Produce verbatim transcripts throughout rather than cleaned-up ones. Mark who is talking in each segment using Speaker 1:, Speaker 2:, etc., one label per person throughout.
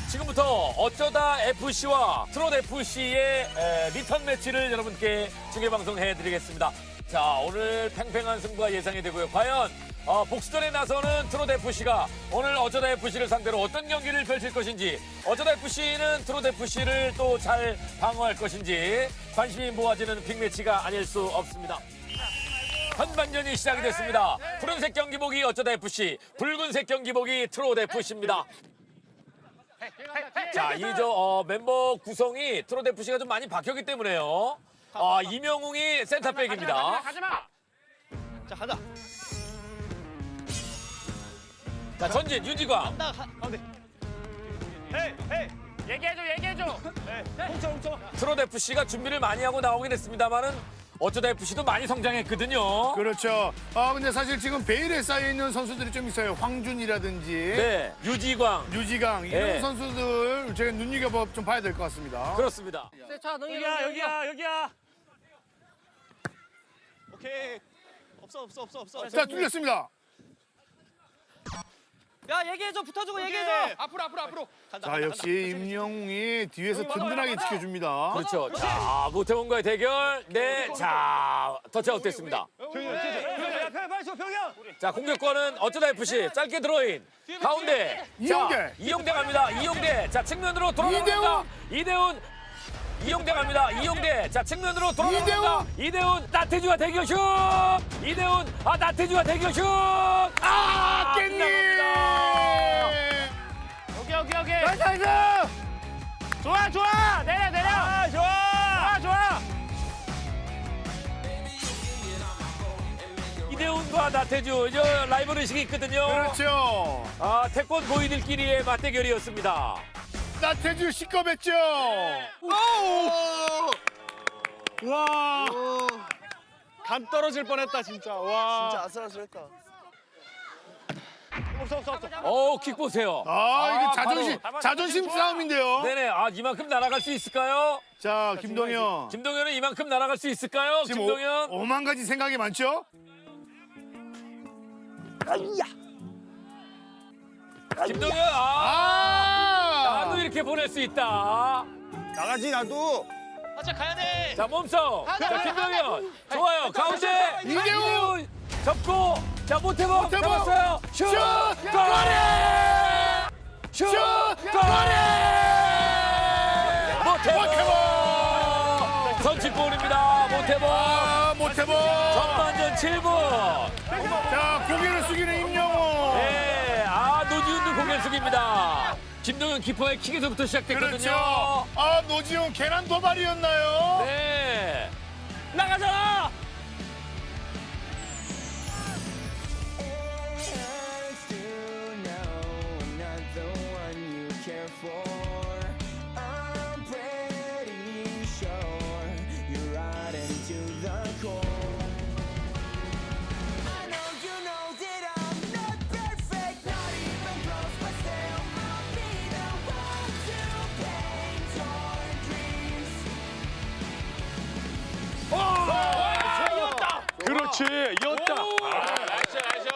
Speaker 1: 지금부터 어쩌다 에프씨와 트롯 에프씨의 에, 리턴 매치를 여러분께 중계방송해 드리겠습니다. 자, 오늘 팽팽한 승부가 예상이 되고요. 과연 어, 복수전에 나서는 트롯 에프씨가 오늘 어쩌다 에프씨를 상대로 어떤 경기를 펼칠 것인지, 어쩌다 에프씨는 트롯 에프씨를 또 잘 방어할 것인지 관심이 모아지는 빅매치가 아닐 수 없습니다. 선반전이 시작이 됐습니다. 푸른색 경기복이 어쩌다 에프씨, 붉은색 경기복이 트롯 에프씨입니다. 자, 이 저 어, 멤버 구성이 트롯 에프씨가 좀 많이 바뀌었기 때문에요. 아, 이명웅이 센터백입니다.
Speaker 2: 가지마. 자, 가자.
Speaker 1: 자, 전진 윤지광.
Speaker 2: 나 가. 가운데. 헤이, 헤이. 얘기해줘, 얘기해줘. 헤이. 훔쳐, 훔쳐.
Speaker 1: 트롯 에프씨가 준비를 많이 하고 나오긴 했습니다만은 어쩌다 에프씨도 많이 성장했거든요.
Speaker 3: 그렇죠. 아 근데 사실 지금 베일에 쌓여 있는 선수들이 좀 있어요. 황준이라든지
Speaker 1: 네, 유지광.
Speaker 3: 유지강 이런
Speaker 1: 네.
Speaker 3: 선수들 제가 눈여겨 좀 봐야 될 것 같습니다.
Speaker 1: 그렇습니다.
Speaker 2: 자, 여기야, 여기야, 여기야. 오케이. 없어, 없어, 없어, 없어.
Speaker 3: 자 뚫렸습니다.
Speaker 2: 야, 얘기해줘. 붙어주고 얘기해줘. 앞으로, 앞으로, 앞으로. 간다,
Speaker 3: 자
Speaker 2: 간다,
Speaker 3: 역시
Speaker 2: 간다.
Speaker 3: 임영웅이 뒤에서 든든하게 지켜줍니다.
Speaker 1: 그렇죠. 자, 모태범과의 대결. 네, 자, 터치아웃 됐습니다.
Speaker 2: 빨리 줘, 병현.
Speaker 1: 자, 공격권은 어쩌다 에프씨. 짧게 드로인. 가운데.
Speaker 3: 이용대.
Speaker 1: 자, 이용대 갑니다. 이용대. 자, 측면으로 돌아갑니다. 이대훈. 이용대 갑니다. 이용대. 자, 측면으로 돌아갑니다. 이대훈. 나태주와 대결 슛. 이대훈. 아, 나태주와 대결 슛. 아,
Speaker 3: 깻잎.
Speaker 2: 여기, 여기, 여기. 나이스, 나이스. 좋아, 좋아. 내려, 내려. 아, 좋아. 좋아, 좋아.
Speaker 1: 이대훈과 나태주. 저 라이벌 의식이 있거든요.
Speaker 3: 그렇죠.
Speaker 1: 아, 태권 고이들끼리의 맞대결이었습니다.
Speaker 3: 나태주 시겁했죠. 와.
Speaker 2: 감 떨어질 뻔했다, 진짜. 와.
Speaker 4: 진짜 아슬아슬했다.
Speaker 2: 없어, 없어, 없어.
Speaker 1: 어, 킥 보세요.
Speaker 3: 아 이게
Speaker 1: 아,
Speaker 3: 자존심
Speaker 2: 바로.
Speaker 3: 자존심 싸움인데요.
Speaker 1: 네네. 아, 이만큼 날아갈 수 있을까요?
Speaker 3: 자 김동현.
Speaker 1: 김동현은 이만큼 날아갈 수 있을까요?
Speaker 3: 지금
Speaker 1: 김동현.
Speaker 3: 오, 오만 가지 생각이 많죠?
Speaker 1: 김동현. 아,
Speaker 3: 아.
Speaker 1: 나도 이렇게 보낼 수 있다.
Speaker 4: 나가지 나도.
Speaker 2: 맞아, 가야 돼.
Speaker 1: 자, 몸싸움. 자, 김동현. 좋아요. 가운데.
Speaker 3: 이대훈.
Speaker 1: 접고. 자, 모태범.
Speaker 3: 모태범.
Speaker 1: 잡았어요. 슛.
Speaker 3: 슛!
Speaker 1: 골! 슛.
Speaker 3: 슛!
Speaker 1: 골! 모태범.
Speaker 3: 모태범.
Speaker 1: 선취골입니다. 모태범.
Speaker 3: 아 모태범.
Speaker 1: 전반전 칠 분.
Speaker 3: 자 고개를 숙이는 임영웅.
Speaker 1: 네, 아, 노지훈도 고개를 숙입니다. 김동현 키퍼의 킥에서부터 시작됐거든요.
Speaker 3: 그렇죠. 아 노지훈 계란 도발이었나요?
Speaker 1: 네. 나가자!
Speaker 3: 그렇지 이었다.
Speaker 2: 나이스, 나이스.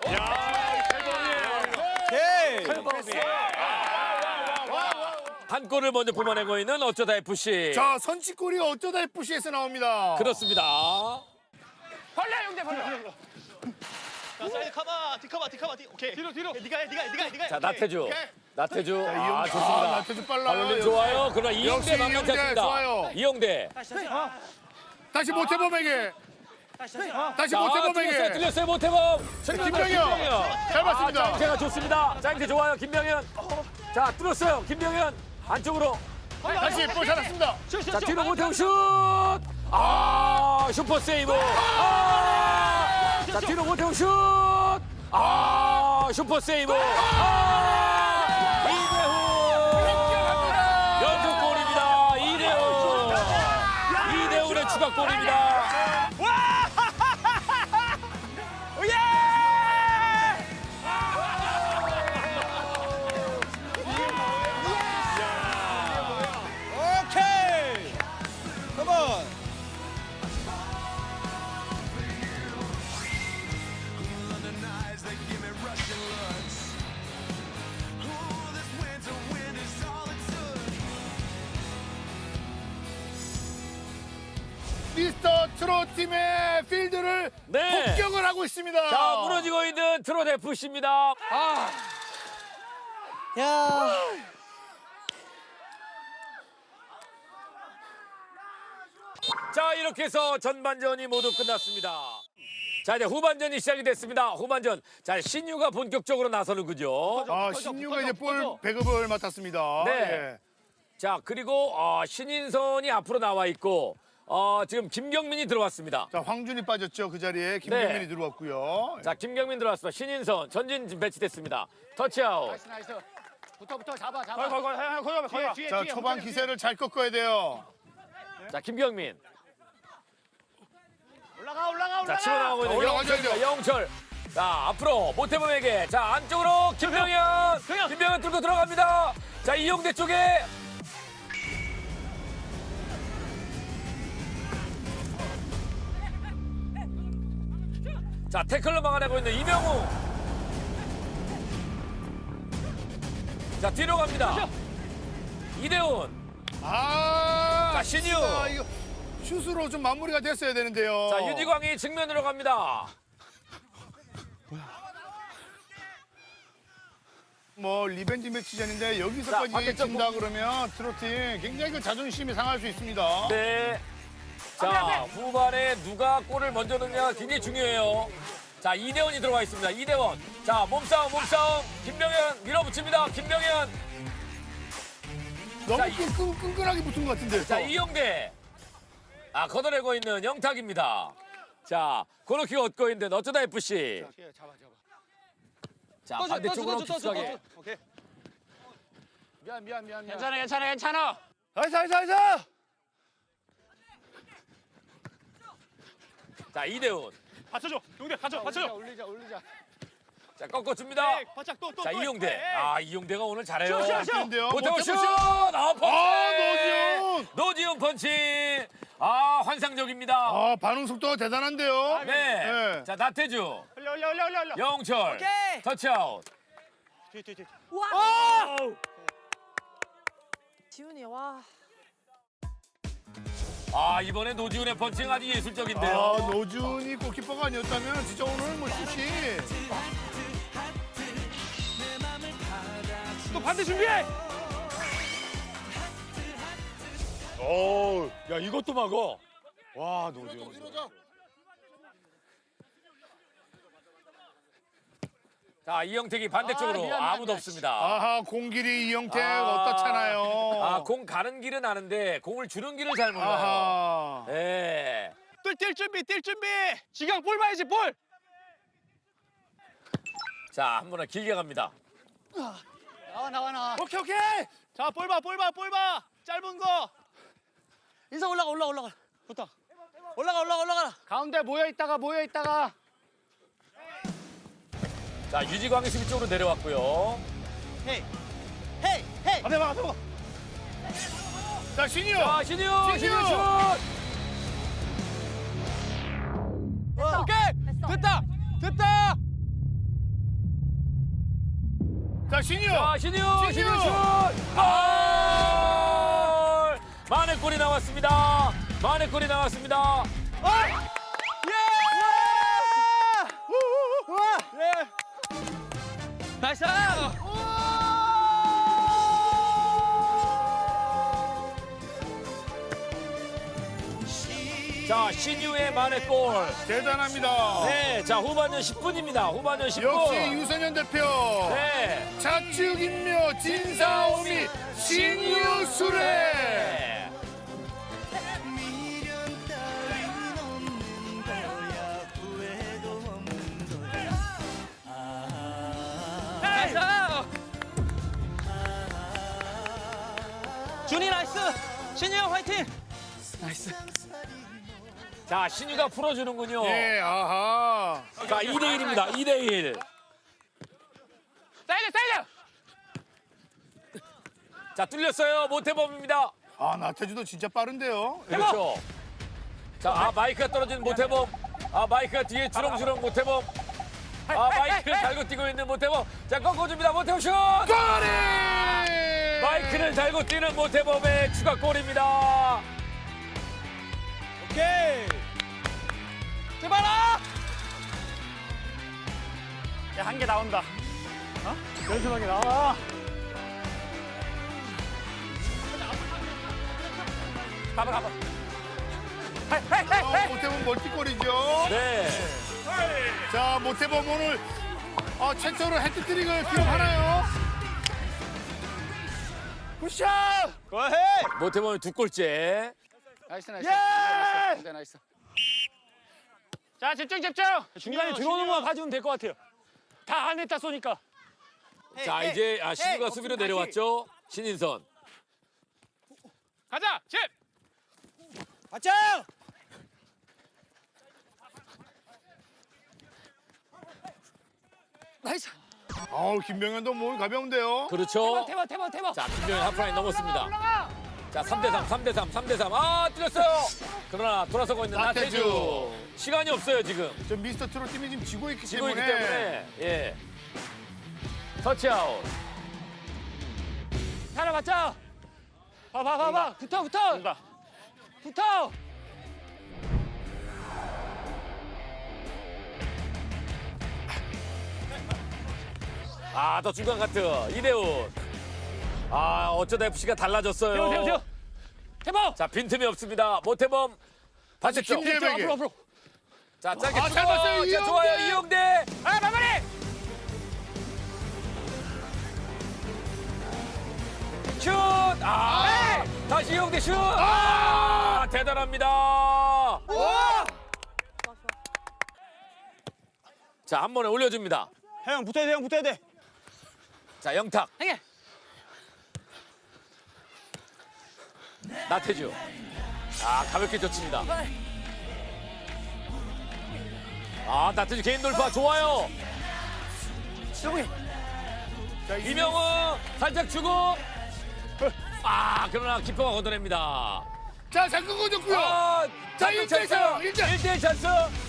Speaker 1: 한 골을 먼저 뽑아내고 있는 어쩌다 에프씨.
Speaker 3: 자 선취골이 어쩌다 에프씨에서 나옵니다.
Speaker 1: 그렇습니다.
Speaker 2: 벌레, 형제, 벌레. 자, 사이드 커버, 뒤커버, 뒤커버, 뒤. 오케이. 뒤로, 뒤로. 네가 해, 네가 해, 네가 해, 네가 해.
Speaker 1: 자,
Speaker 2: 오케이.
Speaker 1: 나태주. 나태주.
Speaker 3: 자,
Speaker 1: 아,
Speaker 3: 이용대.
Speaker 1: 좋습니다.
Speaker 3: 아, 나태주 빨라요.
Speaker 1: 발놀림
Speaker 3: 역시.
Speaker 1: 좋아요. 그러나 이용대
Speaker 3: 역시
Speaker 1: 만만치
Speaker 3: 이용대
Speaker 1: 않습니다.
Speaker 3: 좋아요.
Speaker 1: 이용대.
Speaker 3: 다시 모태범에게. 다시
Speaker 1: 자, 틀렸어요,
Speaker 3: 모태범에게.
Speaker 1: 틀렸어요, 모태범.
Speaker 3: 김병현. 잘 봤습니다.
Speaker 1: 아, 짜임새가 좋습니다. 짜임새 좋아요, 김병현. 자, 뚫었어요, 김병현. 안쪽으로.
Speaker 3: 다시 볼 잘했습니다.
Speaker 1: 자, 뒤로 모태범 슛. 아, 슈퍼 세이브. 아, 자, 뒤로 모태범 슛. 아, 슈퍼 세이브. 아, 이대훈. 연속골입니다. 이대훈. 이대훈의 추가골입니다.
Speaker 4: 오케이. 컴온.
Speaker 5: Russian looks. Ooh, this winter wind is
Speaker 3: 트롯 팀의 필드를
Speaker 1: 네.
Speaker 3: 폭격을 하고 있습니다.
Speaker 1: 자, 무너지고 있는 트롯 에프씨입니다.
Speaker 2: 아. 야.
Speaker 1: 자, 이렇게 해서 전반전이 모두 끝났습니다. 자, 이제 후반전이 시작이 됐습니다. 후반전. 자, 신유가 본격적으로 나서는군요.
Speaker 3: 아,
Speaker 2: 퍼져,
Speaker 3: 신유가
Speaker 2: 퍼져,
Speaker 3: 이제 볼
Speaker 2: 퍼져.
Speaker 3: 배급을 맡았습니다.
Speaker 1: 네.
Speaker 3: 예.
Speaker 1: 자, 그리고 어, 신인선이 앞으로 나와 있고 어, 지금 김경민이 들어왔습니다.
Speaker 3: 자, 황준이 빠졌죠. 그 자리에 김경민이
Speaker 1: 네.
Speaker 3: 들어왔고요.
Speaker 1: 자, 김경민 들어왔습니다. 신인선 전진 배치됐습니다. 터치아웃.
Speaker 5: 나이스 나이스. 붙어 붙어 잡아 잡아.
Speaker 2: 거기 거기 거기 거기 거기 거기.
Speaker 5: 뒤에,
Speaker 3: 자,
Speaker 5: 뒤에,
Speaker 3: 초반
Speaker 5: 뒤에.
Speaker 3: 기세를 잘 꺾어야 돼요.
Speaker 1: 자, 김경민.
Speaker 5: 올라가 올라가 올라가.
Speaker 1: 자, 치고 나가고 있는
Speaker 3: 올라가죠,
Speaker 1: 영철입니다.
Speaker 3: 이제.
Speaker 1: 영철. 자, 앞으로 모태범에게. 자, 안쪽으로 김병현.
Speaker 2: 병현.
Speaker 1: 김병현 뚫고 들어갑니다. 자, 이용대 쪽에. 자, 태클로 막아내고 있는 이명우. 자, 뒤로 갑니다. 이대훈.
Speaker 3: 아,
Speaker 1: 자, 신유.
Speaker 3: 진짜 이거 슛으로 좀 마무리가 됐어야 되는데요.
Speaker 1: 자, 윤희광이 측면으로 갑니다.
Speaker 3: 뭐 리벤지 매치전인데
Speaker 1: 자,
Speaker 3: 여기서까지
Speaker 1: 반대쪽
Speaker 3: 진다 그러면 트로팀 굉장히 그 자존심이 상할 수 있습니다.
Speaker 1: 네. 자, 후반에 누가 골을 먼저 넣느냐가 굉장히 중요해요. 자, 이대원이 들어와 있습니다. 이대원. 자, 몸싸움, 몸싸움. 김병현 밀어붙입니다. 김병현.
Speaker 3: 너무
Speaker 1: 자, 이-
Speaker 3: 끈끈, 끈끈하게 붙은 것 같은데.
Speaker 1: 자, 이용대. 아, 걷어내고 있는 영탁입니다. 자, 코너킥 얻고 있는 어쩌다 에프씨.
Speaker 5: 잡아 잡아.
Speaker 1: 자,
Speaker 2: 떠줘,
Speaker 1: 반대쪽으로
Speaker 2: 떠줘, 떠줘,
Speaker 1: 깊숙하게.
Speaker 2: 떠줘. 오케이.
Speaker 5: 미안 미안 미안 미안.
Speaker 2: 괜찮아 괜찮아 괜찮아.
Speaker 3: 나이스, 나이스, 나이스!
Speaker 1: 자, 이대훈.
Speaker 2: 받쳐줘. 용대 받쳐
Speaker 5: 올리자
Speaker 2: 받쳐줘.
Speaker 5: 올리자 올리자.
Speaker 1: 자, 꺾어줍니다.
Speaker 2: 네, 바짝 또 또.
Speaker 1: 자,
Speaker 2: 또.
Speaker 1: 이용대.
Speaker 2: 네.
Speaker 1: 아, 이용대가 오늘 잘해요.
Speaker 2: 슛, 슛, 슛.
Speaker 3: 좋은데요?
Speaker 1: 모태고 슛!
Speaker 3: 모태고
Speaker 1: 아, 펀치!
Speaker 3: 아, 노지훈!
Speaker 1: 노지훈 펀치! 아, 환상적입니다.
Speaker 3: 아, 반응 속도가 대단한데요.
Speaker 1: 네.
Speaker 3: 네.
Speaker 1: 자, 나태주.
Speaker 2: 올려 올려 올려 올려 올려.
Speaker 1: 영철.
Speaker 2: 오케이.
Speaker 1: 터치아웃.
Speaker 2: 뒤 뒤 뒤.
Speaker 6: 지훈이 와.
Speaker 1: 아, 이번에 노지훈의 펀칭 아주 예술적인데요.
Speaker 3: 아, 노준이 골키퍼가 아니었다면 진짜 오늘 뭐 슛이
Speaker 2: 또 반대 준비해.
Speaker 1: 오, 야, 이것도 막어. 와, 노지훈. 자, 이영택이 반대쪽으로
Speaker 5: 아, 미안, 미안,
Speaker 1: 아무도
Speaker 5: 미안.
Speaker 1: 없습니다.
Speaker 3: 아하, 공길이 이영택
Speaker 1: 아.
Speaker 3: 어떻잖아요.
Speaker 1: 아, 공 가는 길은 아는데 공을 주는 길을 잘 몰라요.
Speaker 3: 아하.
Speaker 1: 네.
Speaker 2: 뛸 준비 뛸 준비. 지강 볼 봐야지 볼.
Speaker 1: 자, 한 번은 길게 갑니다.
Speaker 5: 나와 나와 나와.
Speaker 2: 오케이 오케이. 자 볼 봐 볼 봐 볼 봐. 짧은 거.
Speaker 5: 인사 올라가 올라가 올라가.
Speaker 2: 좋다.
Speaker 5: 올라가 올라가 올라가. 가운데 모여 있다가 모여 있다가.
Speaker 1: 자, 유지광이 수비 쪽으로 내려왔고요.
Speaker 5: 헤이 헤이 헤이.
Speaker 2: 앞에 봐 앞에 봐.
Speaker 3: 자, 신유.
Speaker 1: 자, 신유, 신유
Speaker 3: 신유!
Speaker 1: 슛!
Speaker 2: 오케이. 됐다 됐다.
Speaker 3: 자, 신유.
Speaker 1: 자, 신유, 신유,
Speaker 3: 신유!
Speaker 1: 슛! 아! 만회골이 나왔습니다. 만회골이 나왔습니다.
Speaker 2: 예! 우와! 예! 나이스!
Speaker 1: 자, 신유의 만회골.
Speaker 3: 대단합니다.
Speaker 1: 네, 자, 후반전 십 분입니다. 후반전 십 분.
Speaker 3: 역시 유소년 대표.
Speaker 1: 네.
Speaker 3: 자축인묘 진사오미 신유수레.
Speaker 1: 네.
Speaker 2: 나이스! 준이 나이스! 신이 형 화이팅!
Speaker 1: 자, 신유가 풀어주는군요.
Speaker 3: 예, 아하.
Speaker 1: 자, 이 대 일입니다. 이 대 일.
Speaker 2: 사이드 사이드!
Speaker 1: 자, 뚫렸어요. 모태범입니다.
Speaker 3: 아, 나태주도 진짜 빠른데요.
Speaker 1: 그렇죠. 자, 아, 마이크가 떨어진 모태범. 아, 마이크가 뒤에 주렁주렁 모태범. 아, 마이크를 달고 뛰고 있는 모태범. 자, 꺾어줍니다. 모태범 슛!
Speaker 3: 골이!
Speaker 1: 마이크를 달고 뛰는 모태범의 추가골입니다.
Speaker 2: 오케이!
Speaker 5: 제발아! 야, 한 개 나온다. 어? 연습하게 나와. 가봐, 가봐.
Speaker 3: 어, 모태범 멀티골이죠.
Speaker 1: 네.
Speaker 3: 자, 모태범 오늘 어, 최초로 해트트릭을 기록하나요?
Speaker 5: 굿샷!
Speaker 4: 고해.
Speaker 1: 모태범이 두 골째.
Speaker 5: 나이스, 나이스. 나이스, 나이스. 자, 집중, 집중! 중간에 들어오는 것만 봐주면 될 것 같아요. 다 안에 다 쏘니까.
Speaker 1: 자, 이제 아, 신우가 수비로 내려왔죠. 신인선.
Speaker 5: 가자, 집!
Speaker 4: 맞짱.
Speaker 5: 나이스.
Speaker 3: 어우, 김병현도 몸 가벼운데요.
Speaker 1: 그렇죠.
Speaker 5: 대박, 대박, 대박.
Speaker 1: 자, 김병현 하프라인 넘었습니다.
Speaker 5: 올라가!
Speaker 1: 자, 삼 대 삼, 삼 대 삼, 삼 대 삼. 아, 뚫렸어요. 그러나 돌아서고 있는
Speaker 3: 나태주.
Speaker 1: 나태주. 시간이 없어요, 지금.
Speaker 3: 저 미스터 트롯 팀이 지금 지고 있기
Speaker 1: 지고
Speaker 3: 때문에.
Speaker 1: 있기 때문에. 예. 터치아웃.
Speaker 5: 하나 맞자. 봐, 봐, 봐, 봐. 붙어, 붙어. 붙어.
Speaker 1: 아, 더 중간 카트. 이대훈. 아, 어쩌다 에프씨가 달라졌어요.
Speaker 5: 대박, 대박, 대박. 대박.
Speaker 1: 자, 빈틈이 없습니다. 모태범. 반대쪽.
Speaker 3: 김재백이.
Speaker 5: 앞으로, 앞으로.
Speaker 1: 자, 짧게
Speaker 3: 아,
Speaker 1: 주고.
Speaker 3: 잘 봤어요,
Speaker 1: 자,
Speaker 3: 이영대.
Speaker 1: 좋아요, 이용대.
Speaker 5: 아, 마무리.
Speaker 1: 슛! 아! 다시 이용대 슛! 아! 대단합니다. 자, 한 번에 올려줍니다.
Speaker 4: 형 붙어야 돼, 형 붙어야 돼.
Speaker 1: 자, 영탁.
Speaker 5: 행해.
Speaker 1: 나태주. 아, 가볍게 젖힙니다. 아, 나태주 개인 돌파 좋아요.
Speaker 5: 여기.
Speaker 3: 자,
Speaker 1: 이명우 살짝 주고. 아, 그러나 키퍼가 걷어냅니다.
Speaker 3: 자, 잘 끊어줬고요.
Speaker 1: 아,
Speaker 3: 자,
Speaker 1: 찬스,
Speaker 3: 일 대 일
Speaker 1: 찬스.
Speaker 3: 일 대 일.
Speaker 1: 일 대 일 찬스.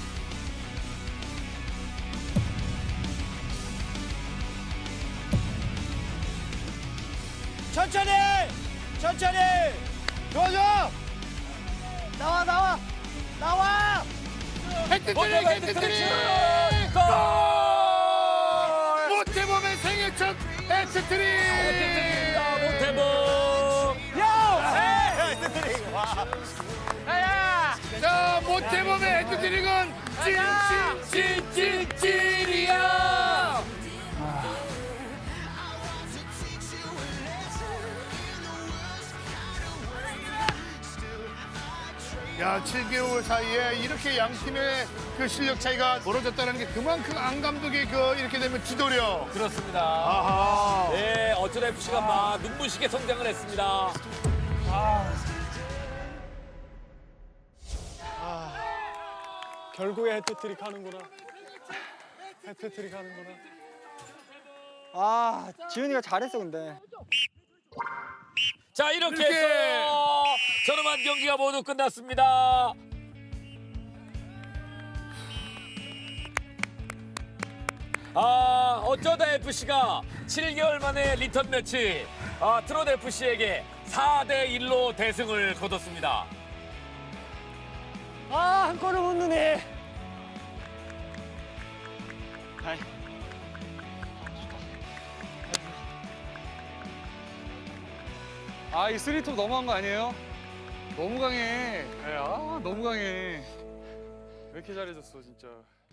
Speaker 4: 천천히. 천천히. 좋아, 좋아.
Speaker 5: 나와, 나와. 나와.
Speaker 3: 해트트릭,
Speaker 1: 모태범
Speaker 3: 해트트릭.
Speaker 1: 골!
Speaker 3: 모태범의 생애 첫 해트트릭.
Speaker 1: 모태범.
Speaker 5: 야야.
Speaker 3: 자, 모태범의 해트트릭은 찐찐찐찐찐이야. 야, 칠 개월 사이에 이렇게 양 팀의 그 실력 차이가 벌어졌다는 게 그만큼 안 감독의 그 이렇게 되면 지도력.
Speaker 1: 그렇습니다.
Speaker 3: 아하.
Speaker 1: 네, 어쩌다 에프씨가 막 눈부시게 성장을 했습니다.
Speaker 2: 결국에 해트트릭 하는구나. 해트트릭 하는구나.
Speaker 4: 아, 지훈이가 잘했어 근데.
Speaker 1: 자, 이렇게
Speaker 3: 이렇게.
Speaker 1: 해서 저렴한 경기가 모두 끝났습니다. 아, 어쩌다 에프씨가 칠 개월 만에 리턴 매치 아, 트롯 에프씨에게 사 대 일로 대승을 거뒀습니다.
Speaker 5: 아, 한 골을 못 넣네.
Speaker 7: 아, 이 쓰리톱 너무한 거 아니에요? 너무 강해. 아, 너무 강해. 왜 이렇게 잘해줬어, 진짜.